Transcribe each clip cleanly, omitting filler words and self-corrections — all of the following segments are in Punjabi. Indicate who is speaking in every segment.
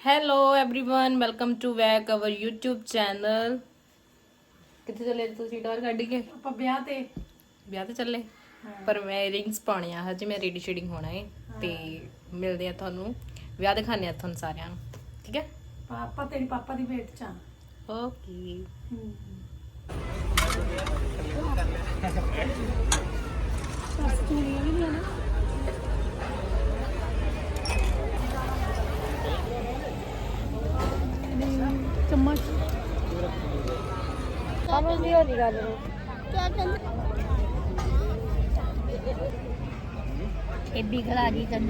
Speaker 1: Hello everyone welcome to back our YouTube channel. कितने चले तुसी डोर कड्ढ के
Speaker 2: ਆਪਾਂ ਵਿਆਹ ਤੇ
Speaker 1: ਚੱਲੇ पर मैं रिंग्स पाने आ हजे मैं रेडी शेडिंग होना है ते मिलदे आ ਤੁਹਾਨੂੰ ਵਿਆਹ ਦਿਖਾਣੇ ਆ ਤੁਹਾਨੂੰ ਸਾਰਿਆਂ ਨੂੰ ठीक है।
Speaker 2: ਪਾਪਾ ਤੇਰੀ ਪਾਪਾ ਦੀ ਵੇਟ ਚ
Speaker 1: ओके
Speaker 2: चम्मच समझ नहीं हो रही गल क्या कहते एडी खला दी तन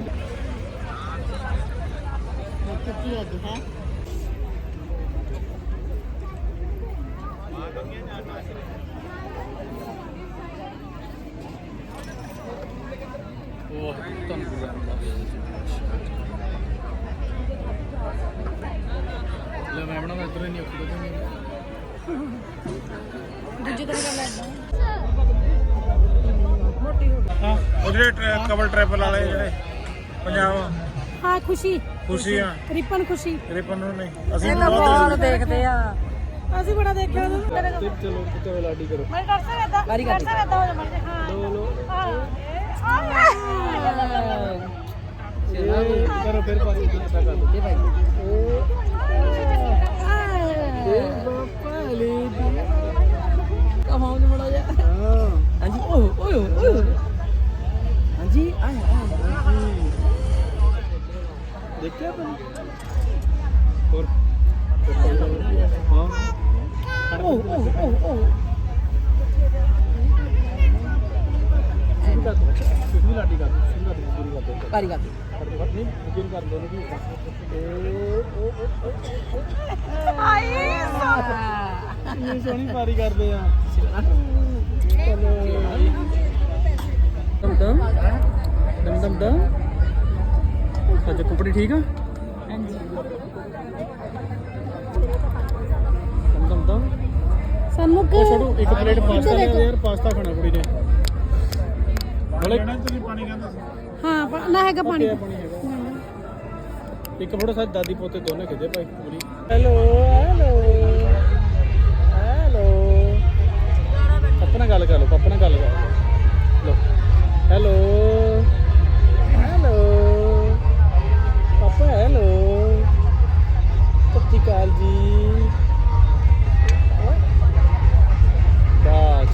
Speaker 2: कितनी होती है
Speaker 3: मैं बना इधर नहीं
Speaker 2: दूजी तरह कर लेना
Speaker 3: हाँ ਜਿਹੜੇ ਕਵਰ ਟ੍ਰੈਵਲ ਵਾਲੇ ਜਿਹੜੇ ਪੰਜਾਬ
Speaker 2: हाँ खुशी
Speaker 3: ਖੁਸ਼ੀ ਆ
Speaker 2: रिपन खुशी
Speaker 3: ਰਿਪਨ ਨੂੰ ਨਹੀਂ ਅਸੀਂ
Speaker 2: बहुत देखते हैं ਅਸੀਂ ਬੜਾ ਦੇਖਿਆ ਉਹਨੂੰ
Speaker 3: ਚਲੋ ਕਿਤੇ ਲਾਡੀ ਕਰੋ
Speaker 2: ਮੈਂ ਕਰ ਸਕਦਾ ਕਰ ਸਕਦਾ ਹੋ ਜਾ ਮਰਦੇ ਹਾਂ
Speaker 3: ਲੋ
Speaker 2: ਹਾਂ
Speaker 3: ਕਰੋ ਫਿਰ ਪਾਸੇ ਕਿੱਥੇ ਕਰ ਦੇ ਭਾਈ ਬਾਪਾ ਲੈ
Speaker 2: ਕਹਾਂ ਨੂੰ ਬੜਾ ਜਾ
Speaker 3: ਹਾਂਜੀ ਓਏ ਓਏ ਹਾਂਜੀ ਆਏ ਦੇਖਿਆ ਤੂੰ ਹੋਰ ਹਾਂ
Speaker 2: ਓ
Speaker 3: ਕਿੰਨੀ ਲਾਡੀ ਕਰ ਸ਼ੁਰੂ ਕਰ ਪੂਰੀ ਕਰ ਦੇ
Speaker 2: ਕਾਰੀ ਕਾਰੀ
Speaker 3: ਨਹੀਂ ਬੁਕਿੰਗ ਕਰ ਦੋ ਨਹੀਂ
Speaker 2: ਆਈ
Speaker 3: ਇਹ ਸੋਹਣੀ ਪਾਰੀ ਕਰਦੇ ਆ ਚਲੋ ਦਮ ਅੱਜ ਕੁਪੜੀ ਠੀਕ ਆ
Speaker 2: ਹਾਂਜੀ
Speaker 3: ਦਮ
Speaker 2: ਸਾਨੂੰ
Speaker 3: ਉਹ ਛੋੜੋ ਇੱਕ ਪਲੇਟ ਪਾਸਤਾ ਲੈ ਯਾਰ ਪਾਸਤਾ ਖਾਣਾ ਕੁੜੀ ਨੇ ਹਲੇ ਤੁਸੀਂ ਪਾਣੀ ਕਹਿੰਦਾ ਸੀ
Speaker 2: ਹਾਂ ਨਾ ਹੈਗਾ ਪਾਣੀ
Speaker 3: ਪਾਣੀ ਹੈਗਾ ਇੱਕ ਫੋਟੋ ਸਾਡੀ ਦਾਦੀ ਪੋਤੇ ਦੋਨੇ ਖਿੱਚੇ ਭਾਈ ਕੁੜੀ ਹੈਲੋ ਪਾਪਾ ਨਾਲ ਗੱਲ ਕਰ ਲਓ ਪਾਪਾ ਨਾਲ ਗੱਲ ਕਰ ਲਓ ਹੈਲੋ ਪਾਪਾ ਹੈਲੋ ਸਤਿ ਸ਼੍ਰੀ ਅਕਾਲ ਜੀ ਬਾਸ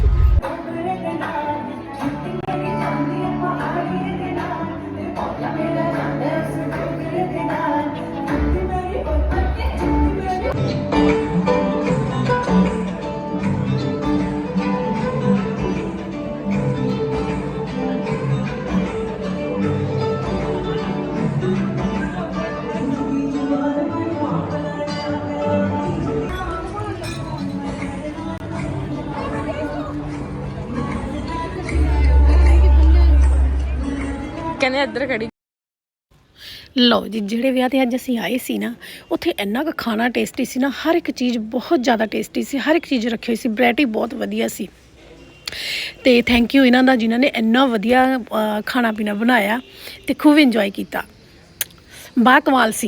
Speaker 1: कहने इधर खड़ी
Speaker 2: ਲਓ ਜੀ ਜਿਹੜੇ ਵਿਆਹ ਤੇ ਅੱਜ ਅਸੀਂ ਆਏ ਸੀ ਨਾ ਉੱਥੇ ਇੰਨਾ ਕੁ ਖਾਣਾ ਟੇਸਟੀ ਸੀ ਨਾ ਹਰ ਇੱਕ ਚੀਜ਼ ਬਹੁਤ ਜ਼ਿਆਦਾ ਟੇਸਟੀ ਸੀ ਹਰ ਇੱਕ ਚੀਜ਼ ਰੱਖੀ ਹੋਈ ਸੀ ਵੈਰਾਈਟੀ ਬਹੁਤ ਵਧੀਆ ਸੀ ਤੇ ਥੈਂਕ ਯੂ ਇਹਨਾਂ ਦਾ ਜਿਨ੍ਹਾਂ ਨੇ ਇੰਨਾ ਵਧੀਆ ਖਾਣਾ ਪੀਣਾ ਬਣਾਇਆ ਤੇ ਖੂਬ ਇੰਜੋਏ ਕੀਤਾ ਬਾ ਕਮਾਲ ਸੀ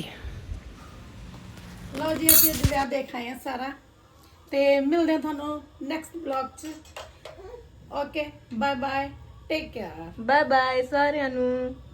Speaker 2: ਲਓ ਜੀ ਅਸੀਂ ਅੱਜ ਵਿਆਹ ਦੇਖ ਆਏ ਆ ਸਾਰਾ ਤੇ ਮਿਲਦੇ ਆ ਤੁਹਾਨੂੰ ਨੈਕਸਟ ਵਲੌਗ 'ਚ okay bye bye take care
Speaker 1: bye bye सारिਆਂ ਨੂੰ।